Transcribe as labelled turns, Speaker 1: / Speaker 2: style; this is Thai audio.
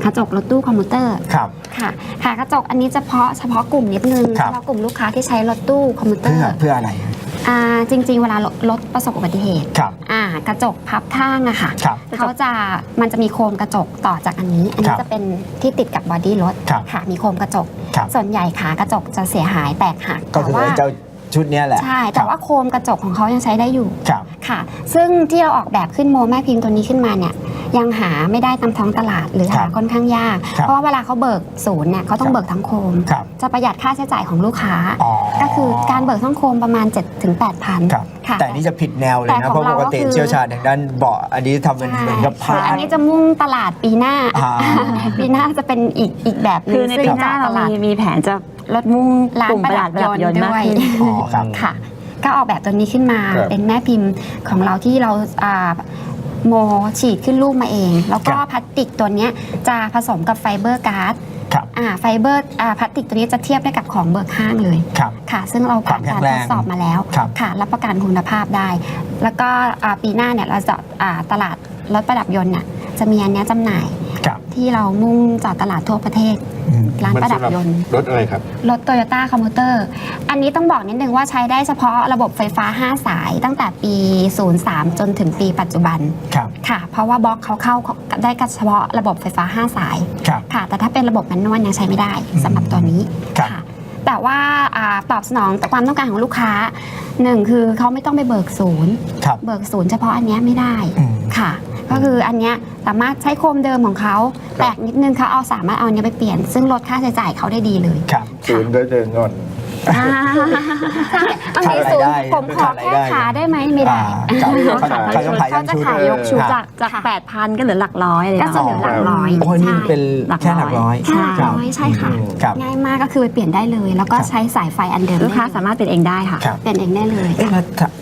Speaker 1: กระจกรถตู้คอมพิวเตอร์
Speaker 2: ครับ
Speaker 1: ค่ะขากระจกอันนี้เฉพาะกลุ่มนิดนึงเฉพาะกลุ่มลูกค้าที่ใช้รถตู้คอมพิวเตอร์
Speaker 2: เพื่ออะไร
Speaker 1: จริงๆเวลารถประสบอุบัติเหตุกระจกพับข้างอะค่ะมันจะมีโคมกระจกต่อจากอันนี้จะเป็นที่ติดกับบอดี้รถค่ะมีโคมกระจกส่วนใหญ่ขากระจกจะเสียหายแตกหัก
Speaker 2: ก็คือเจ้าชุดนี้แหละ
Speaker 1: ใช่แต่ว่าโคมกระจกของเขายังใช้ได้อยู่ค่ะซึ่งที่เราออกแบบขึ้นโมแม่พิมพ์ตัวนี้ขึ้นมาเนี่ยยังหาไม่ได้ตามท้องตลาดหรือหาค่อนข้างยากเพราะว่าเวลาเขาเบิกศูนย์เนี่ยเขาต้องเบิกทั้งโคมจะประหยัดค่าใช้จ่ายของลูกค้าก็คือการเบิกทั้งโคมประมาณ 7-8,000 ค่ะ
Speaker 2: แต่นี่จะผิดแนวเลยนะเพราะปกติเชี่ยวชาญทางด้านเบาะอันนี้ทำเป็นเหมือนกับผ้า
Speaker 1: อันนี้จะมุ่งตลาดปีหน้าปีหน้าจะเป็นอีกแบบนึง
Speaker 3: คือในปีหน้าเรามีแผนจะ
Speaker 1: ลดมุ่งร้านประดับยนต์ด้วยค่ะก็ออกแบบตัวนี้ขึ้นมาเป็นแม่พิมพ์ของเราที่เราโมฉีดขึ้นรูปมาเองแล้วก็พลาสติกตัวนี้จะผสมกับไฟเบอร์การ์ดไฟเบอร์พลาสติกตัวนี้จะเทียบได้กับของเบิกห้างเลยค่ะซึ่งเราผ่านการทดสอบมาแล้วค่ะรับประกันคุณภาพได้แล้วก็ปีหน้าเนี่ยเราจะตลาดรถประดับยนต์น่ะจะมีอันนี้จำหน่ายที่เรามุ่งเจาะตลาดทั่วประเทศร้านประดับยนต์
Speaker 4: รถอะไรครับ
Speaker 1: รถ Toyota Commuter อันนี้ต้องบอกนิดนึงว่าใช้ได้เฉพาะระบบไฟฟ้า5สายตั้งแต่ปี03จนถึงปีปัจจุบันค่ะเพราะว่าบล็อกเขาเข้าได้เฉพาะระบบไฟฟ้า5สายค่ะแต่ถ้าเป็นระบบแมนนวลยังใช้ไม่ได้สำหรับตัวนี้ค่ะแต่ว่าตอบสนองต่อความต้องการของลูกค้า1คือเขาไม่ต้องไปเบิกศูนย์เฉพาะอันนี้ไม่ได้ค่ะก็คืออันเนี้ยสามารถใช้โคมเดิมของเขาแตกนิดนึงเขาสามารถเอาอันนี้ไปเปลี่ยนซึ่งลดค่าใช้จ่ายเขาได้ดีเลย
Speaker 4: ศูนย์ก็เดินก่อน
Speaker 1: ใช่บางทีศูนย์ผมขอแค่ขาได้ไหมไม่ได้
Speaker 3: เขาจะขายยกชุดจาก 8,000 ก็เหลือหลักร้อยเลย
Speaker 1: ก็จะเหลือหลักร้อย
Speaker 2: โอ้นี่เป็นแค่หลักร้อย
Speaker 1: ใช่ค่ะง่ายมากก็คือไปเปลี่ยนได้เลยแล้วก็ใช้สายไฟอันเดิม
Speaker 3: ลูกค้าสามารถเปลี่ยนเองได้ค่ะ
Speaker 1: เปลี่ยนเองได้เลย